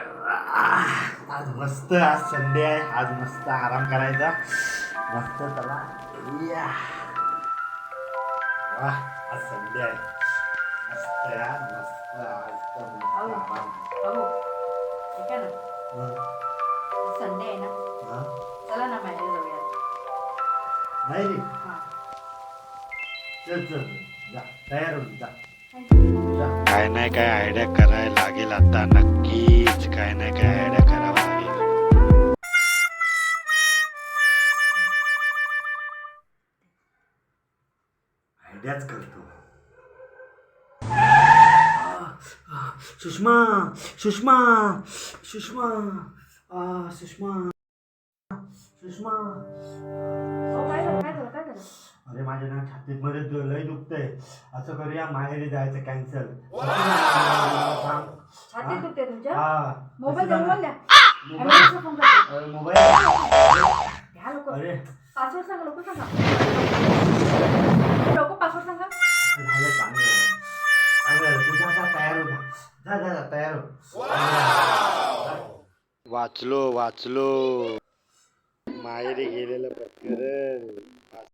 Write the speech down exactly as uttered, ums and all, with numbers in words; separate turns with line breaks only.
आज मस्त, आज संडे आहे, आज मस्त आराम करायचा. मस्त चला या. वाह, आज संडे आहे. मस्त यार, मस्त आज तर मस्त
अहो.
आराम.
अहो ऐका ना,
हं,
संडे आहे ना,
हं.
चला ना माहिती जाऊया.
नाही रे,
हा
चल चल जा, तयार होऊन जा. जा.
काय नाही काय आयडिया करायला लागेल आता. नक्कीच काय नाही काय आयडिया करावं लागेल.
आयडियाच करतो. सुषमा सुषमा सुषमा आ, सुषमा सुषमा
अहो, काय झालं काय झालं काय झालं
अरे माझ्या ना छातीत मध्ये दु- लय दुखतंय. असं करूया, माहेरी जायचं कॅन्सल.
छाती दुखते तुमच्या?
हा
मोबाईल
असं
देऊन
झालं.
बोलल्या.
मोबाईल
ॲम्ब्युलन्सला फोन करते.
अरे, मोबाईल
घ्या लोक.
अरे
पासवर्ड सांगा, लोक सांगा. लोक पासवर्ड सांगा.
झालं, चांगलं चांगलं. तू जा जा, तयार हो जा. जा जा जा, तयार हो.
वाचलो वाचलो माहेरी गेलेलं प्रकरण.